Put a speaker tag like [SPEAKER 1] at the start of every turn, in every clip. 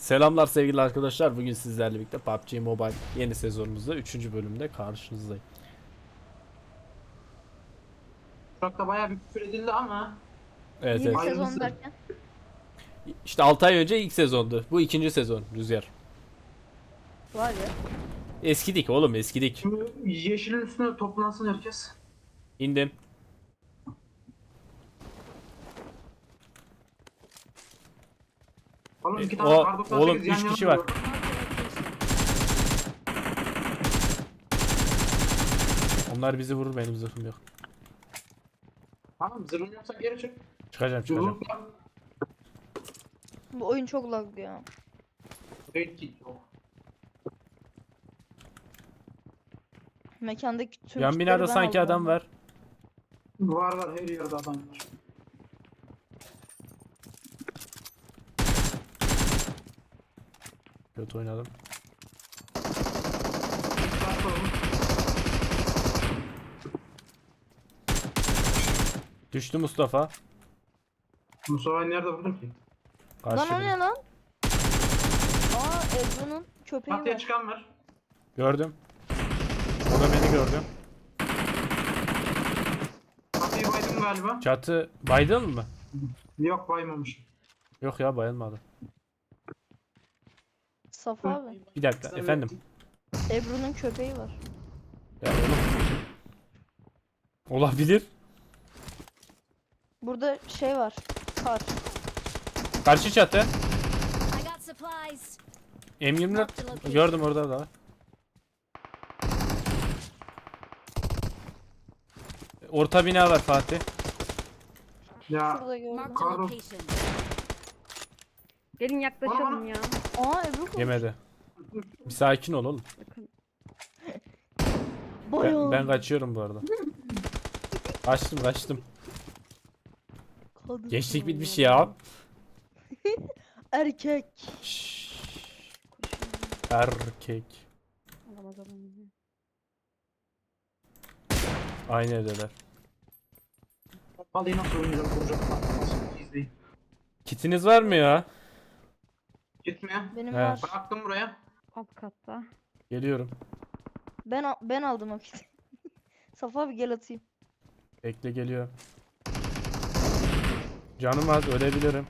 [SPEAKER 1] Selamlar sevgili arkadaşlar. Bugün sizlerle birlikte PUBG Mobile yeni sezonumuzda 3. bölümde karşınızdayım.
[SPEAKER 2] Uçakta bayağı bir küfür edildi ama
[SPEAKER 1] Evet
[SPEAKER 3] Yeni
[SPEAKER 1] evet.
[SPEAKER 2] Hayırlısı.
[SPEAKER 3] sezon derken.
[SPEAKER 1] İşte 6 ay önce ilk sezondu. Bu ikinci sezon Rüzgar.
[SPEAKER 3] Var ya.
[SPEAKER 1] Eskidik oğlum eskidik.
[SPEAKER 2] şimdi yeşilin üstüne toplansın herkes.
[SPEAKER 1] İndim.
[SPEAKER 2] Oğlum iki
[SPEAKER 1] O-
[SPEAKER 2] tane kar 98
[SPEAKER 1] oğlum,
[SPEAKER 2] yan
[SPEAKER 1] üç
[SPEAKER 2] yana
[SPEAKER 1] kişi var.
[SPEAKER 2] duruyor.
[SPEAKER 1] Onlar bizi vurur, benim zırhım yok.
[SPEAKER 2] Tamam zırhın yoksa geri çık.
[SPEAKER 1] Çıkacağım.
[SPEAKER 2] Yumrukla.
[SPEAKER 3] Bu oyun çok laglı ya.
[SPEAKER 2] Raid kit yok.
[SPEAKER 3] Mekandaki tüm
[SPEAKER 1] Yan
[SPEAKER 3] kitleri
[SPEAKER 1] binada
[SPEAKER 3] ben
[SPEAKER 1] sanki
[SPEAKER 3] aldım
[SPEAKER 1] adam
[SPEAKER 3] ondan.
[SPEAKER 1] var.
[SPEAKER 2] Var her yerde adam var.
[SPEAKER 1] Kötü oynadım.
[SPEAKER 2] Bak oğlum.
[SPEAKER 1] Düştü Mustafa.
[SPEAKER 2] Mustafa'yı nerede vurdun ki?
[SPEAKER 3] Lan o
[SPEAKER 1] Karşı
[SPEAKER 3] ne lan? Aa Ebru'nun köpeği
[SPEAKER 2] Çatıya
[SPEAKER 3] var.
[SPEAKER 2] çıkan var.
[SPEAKER 1] Gördüm. O da beni gördü.
[SPEAKER 2] Çatıyı baydım galiba.
[SPEAKER 1] Çatı baydın mı?
[SPEAKER 2] Yok baymamış.
[SPEAKER 1] Yok ya, bayılmadı.
[SPEAKER 3] Safa abi.
[SPEAKER 1] Bir dakika efendim.
[SPEAKER 3] Ebru'nun köpeği var.
[SPEAKER 1] Ya oğlum. Olabilir.
[SPEAKER 3] Burada şey var. Kar.
[SPEAKER 1] Karşı çatı.
[SPEAKER 4] I got supplies.
[SPEAKER 1] M24 gördüm, orada da var. Orta bina var Fatih.
[SPEAKER 2] Ya
[SPEAKER 3] Şurada gördüm.
[SPEAKER 4] Marked a
[SPEAKER 2] Pardon.
[SPEAKER 4] location.
[SPEAKER 5] Gelin yaklaşalım ya.
[SPEAKER 3] Aa Ebru koş.
[SPEAKER 1] Yemedi. Bir sakin ol oğlum.
[SPEAKER 3] Bayağı.
[SPEAKER 1] Ben kaçıyorum bu arada. Kaçtım.
[SPEAKER 3] Kadın.
[SPEAKER 1] Gençlik bitmiş ya.
[SPEAKER 3] Erkek.
[SPEAKER 1] Şşş. Erkek.
[SPEAKER 5] Alamaz alamaz.
[SPEAKER 1] Aynı evdeler.
[SPEAKER 2] Vallahi nasıl oynayacağım kuracağım. Nasıl izleyin.
[SPEAKER 1] Kitiniz var mı ya?
[SPEAKER 2] Gitmiyor.
[SPEAKER 3] Benim
[SPEAKER 1] He.
[SPEAKER 3] var.
[SPEAKER 2] Bıraktım buraya.
[SPEAKER 5] Alt katta.
[SPEAKER 1] Geliyorum.
[SPEAKER 3] Ben aldım o kiti. Safa abi gel atayım.
[SPEAKER 1] Bekle, geliyorum. Canım az, ölebilirim.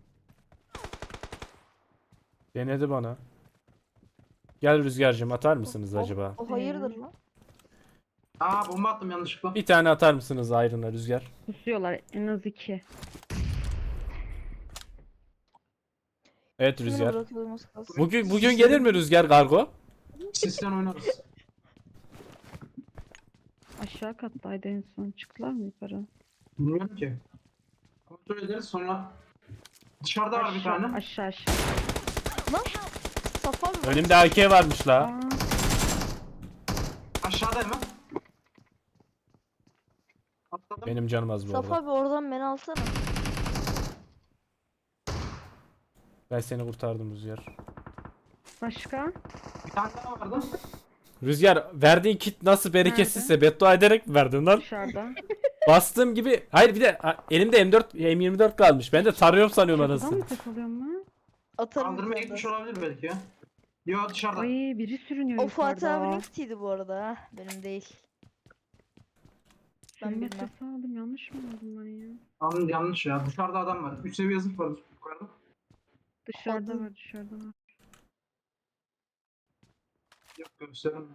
[SPEAKER 1] Denedi bana. Gel Rüzgar'cığım, atar mısınız acaba?
[SPEAKER 3] O hayırdır lan?
[SPEAKER 2] Aa bomba attım yanlışlıkla.
[SPEAKER 1] Bir tane atar mısınız ayrına Rüzgar?
[SPEAKER 5] Kusuyorlar en az 2.
[SPEAKER 1] Evet
[SPEAKER 3] Şöyle
[SPEAKER 1] Rüzgar.
[SPEAKER 3] bırakıyorum az kalsın.
[SPEAKER 1] Bugün gelir mi Rüzgar kargo?
[SPEAKER 2] Sisten oynarız.
[SPEAKER 5] Aşağı kattaydı en son. Çıktılar mı yukarı?
[SPEAKER 2] Bilmiyorum ki. Kontrol ederiz sonra. Dışarıda var bir tane.
[SPEAKER 5] Aşağı.
[SPEAKER 3] Safa abi.
[SPEAKER 1] Önümde AK varmış la.
[SPEAKER 5] Aa,
[SPEAKER 2] Aşağıda hemen. Atladım.
[SPEAKER 1] Benim canım az bu
[SPEAKER 3] Safa
[SPEAKER 1] arada.
[SPEAKER 3] abi oradan beni alsana.
[SPEAKER 1] Ben seni kurtardım Rüzgar.
[SPEAKER 5] başka?
[SPEAKER 2] Bir tane daha vardı.
[SPEAKER 1] Rüzgar, verdiğin kit nasıl bereketsizse beddua ederek mi verdin lan?
[SPEAKER 5] Dışarıda.
[SPEAKER 1] Bastığım gibi. Hayır, bir de elimde M24 kalmış. Ben de tarıyorum sanıyorum
[SPEAKER 5] Çatıdan
[SPEAKER 1] anasını.
[SPEAKER 5] mı ses alıyor mu?
[SPEAKER 3] Atarım.
[SPEAKER 2] Kaldırmaya
[SPEAKER 3] bir
[SPEAKER 2] gitmiş
[SPEAKER 3] tane
[SPEAKER 2] olabilir belki ya. Yo dışarıda.
[SPEAKER 5] Ay biri sürünüyor
[SPEAKER 3] daha. O Fatih
[SPEAKER 5] yukarıda.
[SPEAKER 3] abinin kitiydi bu arada ha. Benim değil. Ben
[SPEAKER 5] Sürünme
[SPEAKER 3] bilmem.
[SPEAKER 5] sesi aldım. Yanlış mı aldım ben ya?
[SPEAKER 2] Anladım yanlış ya. Dışarıda adam var. 3 seviye zırh var yukarıda.
[SPEAKER 5] Dışarıda
[SPEAKER 3] Adım.
[SPEAKER 5] var dışarıda var.
[SPEAKER 2] Yok gösterim.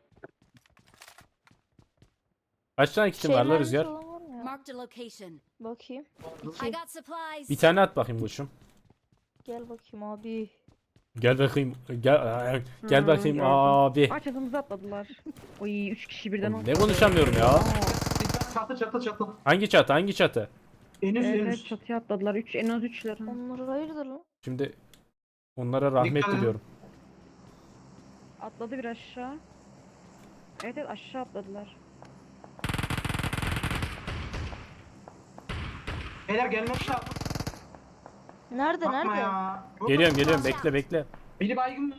[SPEAKER 1] Kaç tane kitin var la
[SPEAKER 3] Şeyler
[SPEAKER 1] Rüzgar?
[SPEAKER 3] falan var mı ya?
[SPEAKER 4] Marked a location.
[SPEAKER 3] Bakayım.
[SPEAKER 4] I got supplies.
[SPEAKER 1] Bir tane at bakayım koçum.
[SPEAKER 3] Gel bakayım abi.
[SPEAKER 1] Gel bakayım. Gel
[SPEAKER 5] Hı,
[SPEAKER 1] bakayım
[SPEAKER 5] gördüm.
[SPEAKER 1] abi.
[SPEAKER 5] Aa çatımıza atladılar. Oy 3 kişi birden
[SPEAKER 1] Ne konuşamıyorum ya?
[SPEAKER 2] Bir tane çatı.
[SPEAKER 1] Hangi çatı? Hangi çatı?
[SPEAKER 2] En üst en
[SPEAKER 5] Evet
[SPEAKER 2] üst.
[SPEAKER 5] çatıya atladılar. En az 3'ler.
[SPEAKER 3] Onlar hayırdır lan?
[SPEAKER 1] Şimdi onlara rahmet
[SPEAKER 2] Dikkat edin.
[SPEAKER 1] diliyorum.
[SPEAKER 5] Atladı bir aşağı. Evet evet aşağı atladılar.
[SPEAKER 2] Beyler gelmek lazım.
[SPEAKER 3] Nerede
[SPEAKER 2] Bakma
[SPEAKER 3] nerede?
[SPEAKER 2] ya. Yok,
[SPEAKER 1] Geliyorum
[SPEAKER 2] yok.
[SPEAKER 1] bekle.
[SPEAKER 2] Biri baygın var.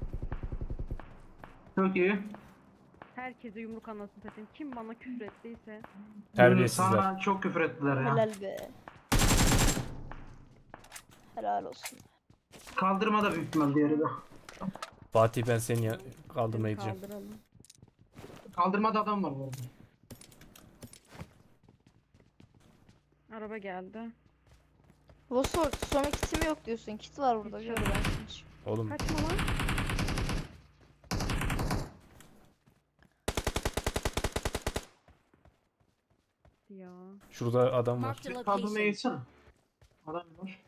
[SPEAKER 2] Çok iyi.
[SPEAKER 5] Herkese yumruk anlasın satayım. Kim bana küfür ettiyse.
[SPEAKER 1] Terbiyesizler.
[SPEAKER 2] Sana çok küfür ettiler ya.
[SPEAKER 3] Helal be. Helal olsun.
[SPEAKER 2] Kaldırma da büyük ihtimal diğeri de.
[SPEAKER 1] Fatih ben seni kaldırmaya gideceğim.
[SPEAKER 5] Kaldıralım.
[SPEAKER 2] Kaldırmada adam var bu arada.
[SPEAKER 5] Araba geldi.
[SPEAKER 3] Vosor sonra kitim yok diyorsun. Kit var burada.
[SPEAKER 5] Hiç
[SPEAKER 3] Gör
[SPEAKER 5] yok.
[SPEAKER 3] ben hiç.
[SPEAKER 1] Oğlum
[SPEAKER 5] Kaçma lan. Ya.
[SPEAKER 1] şurada adam var.
[SPEAKER 4] Marked a
[SPEAKER 2] Kaldırmaya
[SPEAKER 4] location.
[SPEAKER 2] geçsene. Adam var.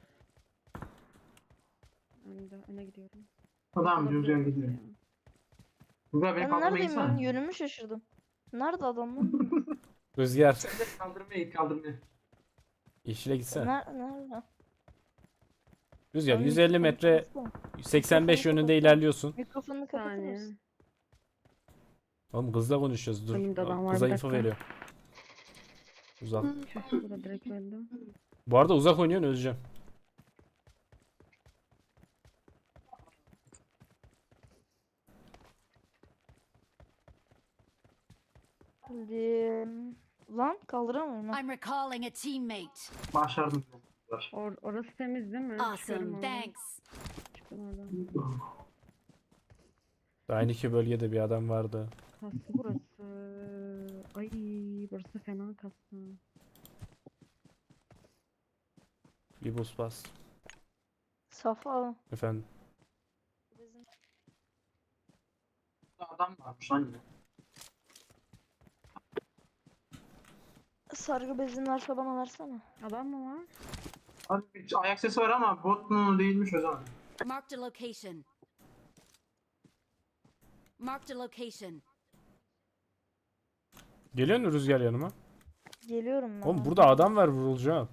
[SPEAKER 5] Öne gidiyorum.
[SPEAKER 2] Adam
[SPEAKER 5] Olabilir
[SPEAKER 2] düzgün
[SPEAKER 5] orası
[SPEAKER 2] gidiyor.
[SPEAKER 5] ya.
[SPEAKER 2] Güzel beni
[SPEAKER 3] Ben
[SPEAKER 2] kaldırmaya
[SPEAKER 3] neredeyim ben?
[SPEAKER 2] geçsene.
[SPEAKER 3] Yönümü şaşırdım. Nerede adamlar?
[SPEAKER 1] Rüzgar.
[SPEAKER 2] Sen de kaldırmaya git kaldırmaya.
[SPEAKER 1] Yeşile gitsene.
[SPEAKER 3] Nerede?
[SPEAKER 1] Rüzgar
[SPEAKER 3] Abi
[SPEAKER 1] 150
[SPEAKER 3] mikrofonu
[SPEAKER 1] metre
[SPEAKER 3] kapatsana.
[SPEAKER 1] 85
[SPEAKER 3] Mikrofonu
[SPEAKER 1] yönünde
[SPEAKER 3] kapatsana.
[SPEAKER 1] ilerliyorsun.
[SPEAKER 3] Mikrofonu kapatır
[SPEAKER 5] Saniye.
[SPEAKER 3] mısın?
[SPEAKER 1] Oğlum kızla konuşuyoruz dur.
[SPEAKER 5] Önümde adam var,
[SPEAKER 1] Kıza
[SPEAKER 5] bir
[SPEAKER 1] info
[SPEAKER 5] dakika.
[SPEAKER 1] veriyor. Uzak.
[SPEAKER 5] Bu da direkt öldü.
[SPEAKER 1] Bu arada uzak oynuyorsun Özcan.
[SPEAKER 3] Hadi. Lan kaldıramıyorum ben.
[SPEAKER 4] I'm recalling a teammate.
[SPEAKER 2] Başardım.
[SPEAKER 5] Orası temiz değil mi? Çıkarım
[SPEAKER 4] Awesome.
[SPEAKER 5] oradan.
[SPEAKER 4] Thanks.
[SPEAKER 5] Çıkın oradan.
[SPEAKER 1] Aynı iki bölgede bir adam vardı.
[SPEAKER 5] Kastı burası. Ay burası fena kastı.
[SPEAKER 1] Bir buz bas.
[SPEAKER 3] Safa.
[SPEAKER 1] Efendim.
[SPEAKER 2] Adam varmış lan yine.
[SPEAKER 3] Sargı bezin varsa bana versene.
[SPEAKER 5] Adam mı var?
[SPEAKER 2] Abi bir ayak sesi var ama bot mu değilmiş o zaman.
[SPEAKER 4] Marked a location. Marked a location.
[SPEAKER 1] Geliyor mu Rüzgar yanıma?
[SPEAKER 3] Geliyorum ben.
[SPEAKER 1] Oğlum burada adam var vurulacağım.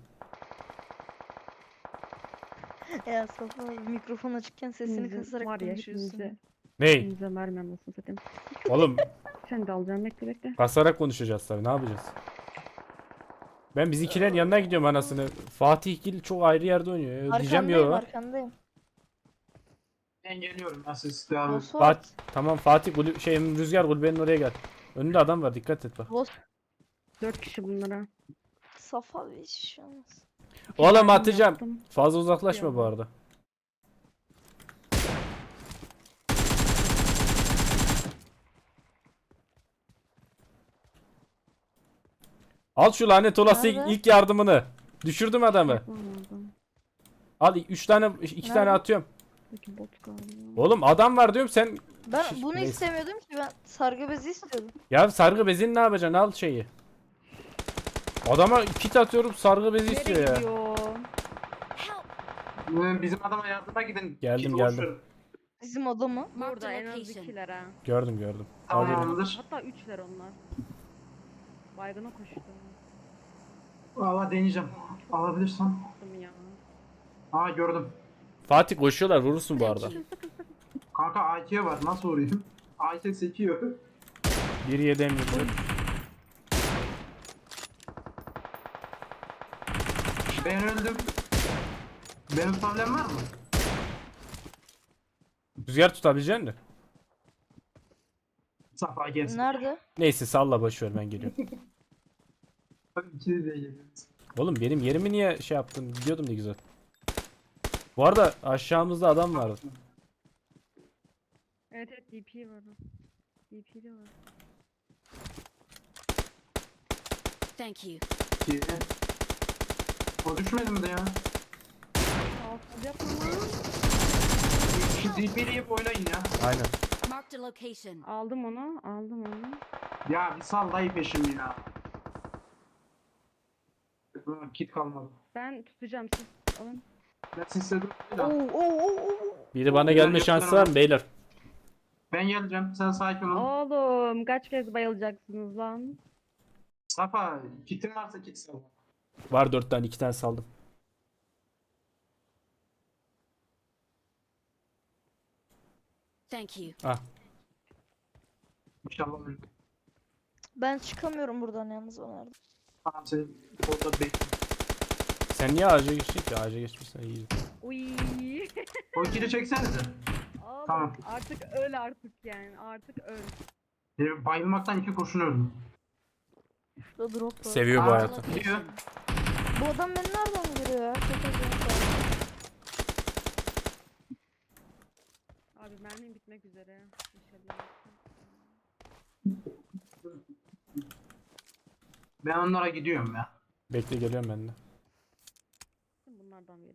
[SPEAKER 3] Ya Safa mikrofon açıkken sesini
[SPEAKER 5] Hepinizi-
[SPEAKER 3] kısarak
[SPEAKER 5] var ya
[SPEAKER 3] konuşuyorsun.
[SPEAKER 1] Ney?
[SPEAKER 5] Hepinize mermi anlasını satayım.
[SPEAKER 1] Oğlum
[SPEAKER 5] Sen de alacağım bekle.
[SPEAKER 1] basarak konuşacağız tabii ne yapacağız? Ben bizimkilerin yanına gidiyorum anasını. Fatih Gil çok ayrı yerde oynuyor. Diyeceğim
[SPEAKER 3] Arkandayım
[SPEAKER 1] ya.
[SPEAKER 3] arkandayım.
[SPEAKER 2] Ben geliyorum ben siz devam edin.
[SPEAKER 3] Vosor.
[SPEAKER 1] Tamam Fatih Rüzgar kulübenin oraya gel. Önünde adam var dikkat et bak.
[SPEAKER 5] 4 kişi bunlara.
[SPEAKER 3] Safa bir şey olmaz.
[SPEAKER 1] Oğlum
[SPEAKER 5] Mermi
[SPEAKER 1] atacağım.
[SPEAKER 5] yaptım.
[SPEAKER 1] Fazla uzaklaşma bu
[SPEAKER 5] Yok.
[SPEAKER 1] arada. Al şu lanet olası
[SPEAKER 3] Nerede?
[SPEAKER 1] ilk yardımını. Düşürdüm adamı.
[SPEAKER 5] Yapamadım.
[SPEAKER 1] Al 3 tane 2 tane
[SPEAKER 3] Nerede?
[SPEAKER 1] atıyorum.
[SPEAKER 5] Peki bot galiba.
[SPEAKER 1] Oğlum adam var diyorum sen.
[SPEAKER 3] Ben
[SPEAKER 1] Şiş,
[SPEAKER 3] bunu
[SPEAKER 1] neyse.
[SPEAKER 3] istemiyordum ki ben sargı bezi istiyordum.
[SPEAKER 1] Ya sargı bezini ne yapacaksın? Al şeyi. Adama kit atıyorum sargı bezi istiyor
[SPEAKER 5] Nereye
[SPEAKER 1] ya.
[SPEAKER 5] gidiyor?
[SPEAKER 4] Help.
[SPEAKER 2] Bizim adama yardıma gidin.
[SPEAKER 1] Geldim,
[SPEAKER 2] Git,
[SPEAKER 1] geldim.
[SPEAKER 2] boş verin.
[SPEAKER 3] Bizim adamı.
[SPEAKER 4] Marked
[SPEAKER 5] Burada
[SPEAKER 4] a
[SPEAKER 5] en az
[SPEAKER 4] location.
[SPEAKER 5] 2'ler ha.
[SPEAKER 1] Gördüm. Alıyorum.
[SPEAKER 2] Tamamdır.
[SPEAKER 5] Hatta 3'ler onlar. Baygına koştu.
[SPEAKER 2] Valla deneyeceğim. Alabilirsem.
[SPEAKER 5] Attım ya.
[SPEAKER 2] Aa gördüm.
[SPEAKER 1] Fatih koşuyorlar vurursun bu arada.
[SPEAKER 2] Kanka AK var nasıl vurayım? AK sekiyor.
[SPEAKER 1] Biri yedemiyor.
[SPEAKER 2] Ben öldüm. Benim problem var mı?
[SPEAKER 1] Rüzgar tutabilecek misin?
[SPEAKER 2] Safa gelsin.
[SPEAKER 3] Nerede?
[SPEAKER 1] Neyse salla boşver ben geliyorum.
[SPEAKER 2] Bak ikiniz de geliyorsunuz.
[SPEAKER 1] Oğlum benim yerimi niye şey yaptın? Gidiyordum ne güzel. Bu arada aşağımızda adam vardı.
[SPEAKER 5] Evet DP var. DP de var.
[SPEAKER 4] Thank you.
[SPEAKER 2] İki. O düşmedi mi de ya?
[SPEAKER 5] Sağ yapma lan.
[SPEAKER 2] Şu DP'leyip oynayın ya.
[SPEAKER 1] Aynen.
[SPEAKER 4] Marked a location.
[SPEAKER 5] Aldım onu.
[SPEAKER 2] Ya bir sal dayı peşimi ya. Kit kalmadı.
[SPEAKER 5] Ben tutacağım siz alın.
[SPEAKER 2] Ben sistedim.
[SPEAKER 3] Oo.
[SPEAKER 1] Biri bana gelme şansı var mı beyler?
[SPEAKER 2] Ben geleceğim. Sen sakin ol.
[SPEAKER 5] Oğlum kaç kez bayılacaksınız lan?
[SPEAKER 2] Safa kitin varsa kit sal.
[SPEAKER 1] Var 4 tane 2 tane saldım.
[SPEAKER 4] Thank you.
[SPEAKER 1] Ah
[SPEAKER 2] İnşallah öyle.
[SPEAKER 3] Ben çıkamıyorum buradan yalnız bana yardım.
[SPEAKER 2] Tamam seni orada bekle.
[SPEAKER 1] sen niye ağaca geçtin ki? Ağaca geçmişsen iyi.
[SPEAKER 5] Uy.
[SPEAKER 2] O kili çeksenize.
[SPEAKER 5] Oğlum,
[SPEAKER 2] Tamam.
[SPEAKER 5] Artık öl artık yani. Artık öl.
[SPEAKER 2] Bayılmaktan 2 kurşun öldüm.
[SPEAKER 3] Şurada drop var.
[SPEAKER 1] Seviyor bu
[SPEAKER 2] Aa.
[SPEAKER 1] hayatı.
[SPEAKER 2] Gidiyor.
[SPEAKER 3] Bu adam beni nereden görüyor ya? Çok acayip.
[SPEAKER 5] Abi mermim bitmek üzere. İnşallah.
[SPEAKER 2] Ben onlara gidiyorum ya.
[SPEAKER 1] Bekle geliyorum ben de.
[SPEAKER 5] Bunlardan biri.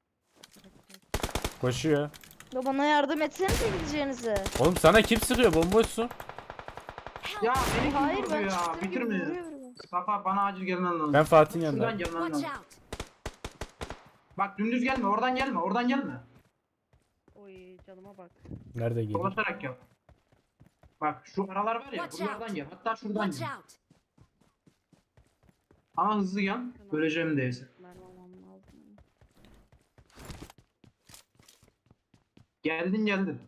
[SPEAKER 1] Koşuyor.
[SPEAKER 3] Ya bana yardım etsenize gideceğinize.
[SPEAKER 1] Oğlum sana kim sıkıyor? Bomboşsun.
[SPEAKER 2] Ya beni kim
[SPEAKER 3] Hayır
[SPEAKER 2] vurdu
[SPEAKER 3] ben
[SPEAKER 2] ya?
[SPEAKER 3] çıktığım gibi
[SPEAKER 2] Bitirme.
[SPEAKER 3] vuruyor biri.
[SPEAKER 2] Safa bana acil gelmen lazım.
[SPEAKER 1] Ben Fatih'in
[SPEAKER 2] Şuradan
[SPEAKER 1] yanındayım.
[SPEAKER 2] gelmen
[SPEAKER 4] Watch
[SPEAKER 2] lazım.
[SPEAKER 4] out!
[SPEAKER 2] Bak dümdüz gelme, oradan gelme, oradan gelme.
[SPEAKER 5] Oy canıma bak.
[SPEAKER 1] Nerede geliyor?
[SPEAKER 2] Dolaşarak gel. Bak şu aralar var ya,
[SPEAKER 4] Watch
[SPEAKER 2] buralardan
[SPEAKER 4] out.
[SPEAKER 2] gel. Hatta şuradan
[SPEAKER 4] Watch
[SPEAKER 2] gel.
[SPEAKER 4] out!
[SPEAKER 2] Ama hızlı gel. Öleceğim değilse.
[SPEAKER 5] Mermi almam lazım.
[SPEAKER 2] Geldin.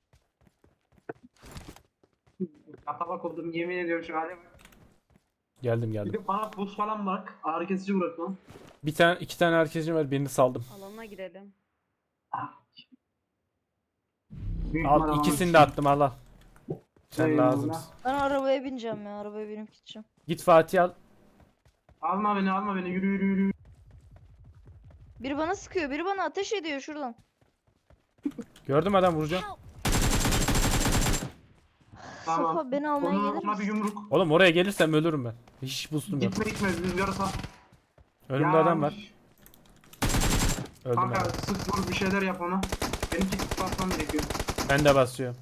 [SPEAKER 2] Atabak oldum, yemin ediyorum şu hale bak.
[SPEAKER 1] Geldim
[SPEAKER 2] Bir
[SPEAKER 1] geldim.
[SPEAKER 2] de bana buz falan bırak. Ağrı kesici bırak lan.
[SPEAKER 1] İki tane herkesin var. Birini saldım.
[SPEAKER 5] Alana girelim.
[SPEAKER 2] Büyük ihtimal
[SPEAKER 1] Al ikisini
[SPEAKER 2] alamazsın.
[SPEAKER 1] de attım al al. Sen
[SPEAKER 2] Eyvallah.
[SPEAKER 1] lazımsın.
[SPEAKER 3] Ben arabaya bineceğim ya. Arabaya binip gideceğim.
[SPEAKER 1] Git Fatih al.
[SPEAKER 2] Alma beni, yürü.
[SPEAKER 3] Biri bana sıkıyor. Biri bana ateş ediyor şuradan.
[SPEAKER 1] Gördüm adam vuracağım.
[SPEAKER 4] Help!
[SPEAKER 2] Tamam.
[SPEAKER 3] Safa beni almaya gelir
[SPEAKER 2] Ona bir
[SPEAKER 3] misin?
[SPEAKER 2] yumruk.
[SPEAKER 1] Oğlum oraya gelirsem ölürüm ben. Hiç boostum yok.
[SPEAKER 2] Gitme, rüzgarı sal.
[SPEAKER 1] Önümde adam var. Öldüm
[SPEAKER 2] Kanka
[SPEAKER 1] ben.
[SPEAKER 2] sık vur bir şeyler yap ona. Benim kit basmam gerekiyor.
[SPEAKER 1] Ben de basıyorum.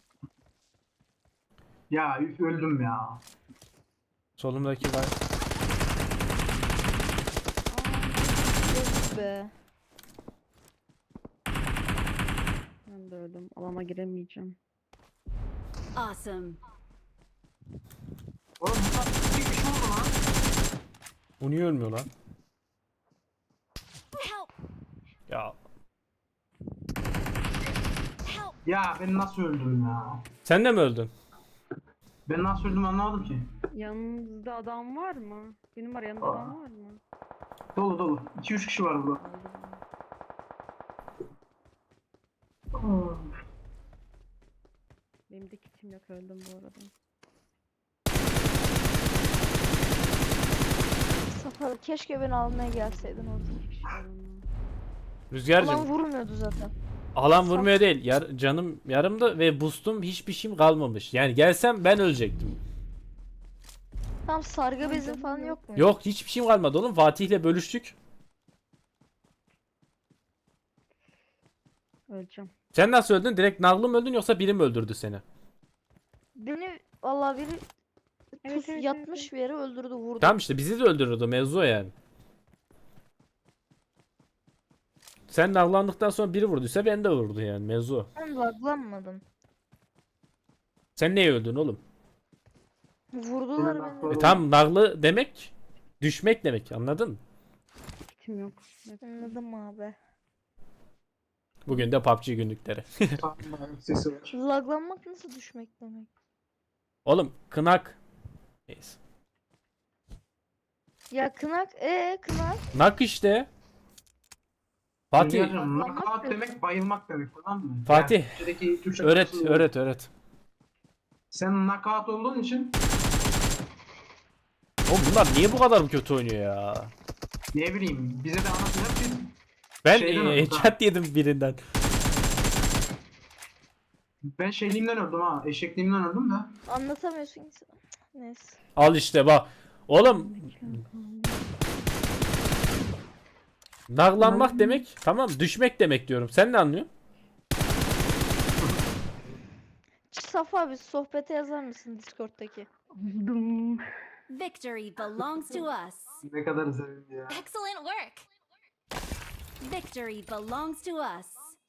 [SPEAKER 2] Ya üf, öldüm ya.
[SPEAKER 1] Solumdaki var.
[SPEAKER 3] Yes be.
[SPEAKER 5] Ben de öldüm. Alana giremeyeceğim.
[SPEAKER 4] Awesome!
[SPEAKER 2] Oğlum bunlar bir şey oldu lan.
[SPEAKER 1] Bu niye ölmüyor lan?
[SPEAKER 4] Help!
[SPEAKER 1] Ya
[SPEAKER 4] Help!
[SPEAKER 2] Ya ben nasıl öldüm ya?
[SPEAKER 1] sen de mi öldün?
[SPEAKER 2] Ben nasıl öldüm anlamadım ki.
[SPEAKER 5] Yanınızda adam var mı? Benim var yanında adam var mı?
[SPEAKER 2] Dolu. 2-3 kişi var burada.
[SPEAKER 5] Benim de kitim yok öldüm bu arada.
[SPEAKER 3] Safa keşke beni almaya gelseydin orada.
[SPEAKER 5] İki kişi var onunla.
[SPEAKER 1] Rüzgarcığım.
[SPEAKER 3] Ulan vurmuyordu zaten.
[SPEAKER 1] Alan vurmuyor değil. Canım yarımda ve boostum hiçbir şeyim kalmamış. Yani gelsem ben ölecektim.
[SPEAKER 3] Tam sargı bezin falan yok mu?
[SPEAKER 1] Yok hiçbir şeyim kalmadı oğlum. Fatih'le bölüştük.
[SPEAKER 5] Öleceğim.
[SPEAKER 1] Sen nasıl öldün? Direkt naglı mı öldün yoksa biri mi öldürdü seni?
[SPEAKER 3] Beni vallahi biri
[SPEAKER 5] Evet, evet,
[SPEAKER 3] yatmış
[SPEAKER 5] evet.
[SPEAKER 3] bir yere öldürdü vurdu.
[SPEAKER 1] Tamam işte bizi de öldürürdü mevzu o yani. Sen naglandıktan sonra biri vurduysa ben de vurdu yani mevzu o.
[SPEAKER 3] Ben laglanmadım.
[SPEAKER 1] Sen neye öldün oğlum?
[SPEAKER 3] Vurdular
[SPEAKER 2] Benim
[SPEAKER 3] beni.
[SPEAKER 2] aklıma-
[SPEAKER 1] Tam naglı demek düşmek demek anladın mı?
[SPEAKER 5] Kitim yok.
[SPEAKER 3] Anladım abi.
[SPEAKER 1] Bugün de PUBG günlükleri.
[SPEAKER 2] Sesi var.
[SPEAKER 3] Laglanmak nasıl düşmek demek?
[SPEAKER 1] Oğlum kınak. Neyse.
[SPEAKER 3] Ya kınak kınak.
[SPEAKER 1] Nak işte. Fatih
[SPEAKER 2] Rüzgar'cığım, knockout demek bayılmak demek tamam mı?
[SPEAKER 1] Fatih,
[SPEAKER 2] Yani Türkçedeki Türkçe
[SPEAKER 1] öğret
[SPEAKER 2] karşılığı-
[SPEAKER 1] öğret.
[SPEAKER 2] Sen knockout olduğun için
[SPEAKER 1] Oğlum bunlar niye bu kadar mı kötü oynuyor ya?
[SPEAKER 2] ne bileyim bize de anlatacak ki
[SPEAKER 1] Ben
[SPEAKER 2] Şeyden öldüm,
[SPEAKER 1] headshot yedim birinden.
[SPEAKER 2] ben şeyliğimden öldüm ha. Eşekliğimden öldüm de.
[SPEAKER 3] Anlatamıyorsun ki. Cık, neyse.
[SPEAKER 1] Al işte bak. Oğlum naglanmak demek tamam düşmek demek diyorum. Sen ne anlıyorsun?
[SPEAKER 3] Safa abi sohbete yazar mısın Discord'daki?
[SPEAKER 5] Oldum.
[SPEAKER 4] Victory belongs to us!
[SPEAKER 2] Ne kadar sevindi ya.
[SPEAKER 4] Excellent work! Victory belongs to us!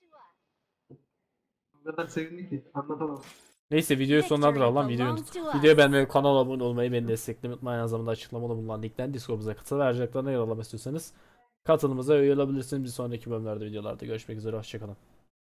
[SPEAKER 2] O kadar sevindi ki anlatamam.
[SPEAKER 1] Neyse videoyu sonlandıralım lan videoyu.
[SPEAKER 4] belongs to us.
[SPEAKER 1] Videoyu beğenmeyi, kanala abone olmayı, beni desteklemeyi unutmayın. Aynı zamanda açıklamada bulunan linkten Discord'umuza katıl ve ayrıcalıklarına yer almak istiyorsanız katılımıza üye olabilirsiniz. Bir sonraki bölümlerde videolarda görüşmek üzere. Hoşçakalın.